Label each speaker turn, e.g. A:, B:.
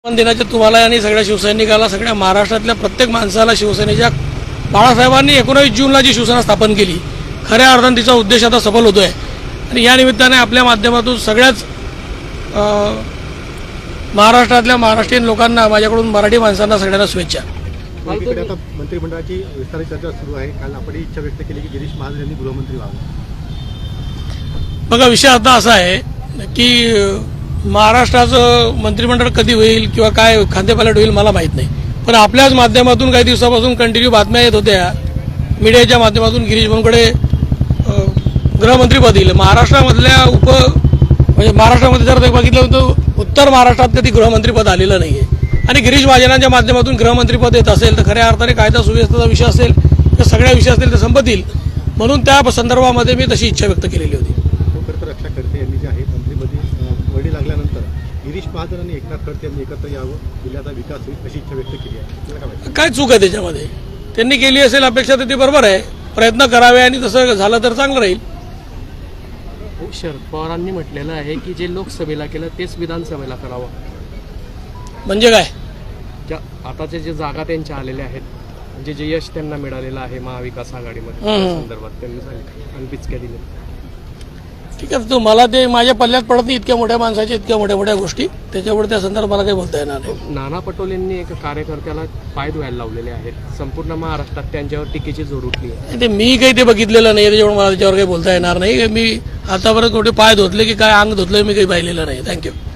A: दिनाच्या तुम्हाला आणि सगळ्या शिवसैनिकाला, सगळ्या महाराष्ट्रातल्या प्रत्येक माणसाला शिवसेनेच्या बाळासाहेबांनी 19 जूनला जी शिवसेना स्थापन केली, खऱ्या अर्थाने तिचा उद्देश आता सफल होतो आहे. आणि या निमित्ताने आपल्या माध्यमातून सगळ्याच महाराष्ट्रातल्या महाराष्ट्रीयन लोकांना, माझ्याकडून मराठी माणसांना सगळ्यांना शुभेच्छा.
B: आता मंत्रिमंडळाची विस्तारित चर्चा सुरू आहे. काल आपण इच्छा व्यक्त केली की गिरीश महाजन यांनी गृहमंत्री व्हावं.
A: बघा, विषय आता असा आहे की महाराष्ट्राचं मंत्रिमंडळ कधी होईल किंवा काय खांदेपालट होईल मला माहीत नाही, पण आपल्याच माध्यमातून काही दिवसापासून कंटिन्यू बातम्या येत होत्या मीडियाच्या माध्यमातून, गिरीश भाऊंकडे गृहमंत्रीपद येईल. महाराष्ट्रामधल्या म्हणजे महाराष्ट्रामध्ये जर बघितलं तर उत्तर महाराष्ट्रात कधी गृहमंत्रीपद आलेलं नाही आहे. आणि गिरीश महाजनांच्या माध्यमातून गृहमंत्रीपद येत असेल तर खऱ्या अर्थाने कायदा सुव्यवस्थेचा विषय असेल किंवा सगळ्या विषय असतील ते संपतील, म्हणून त्या संदर्भामध्ये मी तशी इच्छा व्यक्त केलेली होती.
B: रक्षा खडसे यांनी जे आहे मंत्रिपदी वडी लागल्यानंतर गिरीश महाजन आणि एकनाथ खडसे यांनी एकत्र यावं, जिल्ह्याचा विकास होईल अशी इच्छा व्यक्त केली आहे.
A: काय चूक आहे त्याच्यामध्ये? त्यांनी केली असेल अपेक्षा तर ती बरोबर आहे, प्रयत्न करावे आणि तसं झालं तर चांगलं राहील.
C: शरद पवारांनी म्हटलेलं आहे की जे लोकसभेला केलं तेच विधानसभेला करावं.
A: म्हणजे काय?
C: आताचे जे जागा त्यांच्या आलेल्या आहेत, म्हणजे जे यश त्यांना मिळालेलं आहे महाविकास आघाडीमध्ये, त्या संदर्भात त्यांनी सांगितलं आणि पिचक्या दिल्या.
A: ठीक आहे, तो मला ते माझ्या पल्ल्यात पडत नाही इतक्या मोठ्या माणसाच्या इतक्या मोठ्या मोठ्या गोष्टी, त्याच्यामुळे त्या संदर्भात मला काही बोलता येणार नाही.
C: नाना पटोलेंनी एक कार्यकर्त्याला पाय धुवायला लावलेले आहेत. संपूर्ण महाराष्ट्रात त्यांच्यावर टीकेची जोर उठली आहे.
A: ते मी काही ते बघितलेलं नाही, त्याच्यामुळे मला त्याच्यावर काही बोलता येणार नाही. मी आतापर्यंत कुठे पाय धुतले की काय अंग धुतलं मी काही पाहिलेलं नाही. थँक्यू.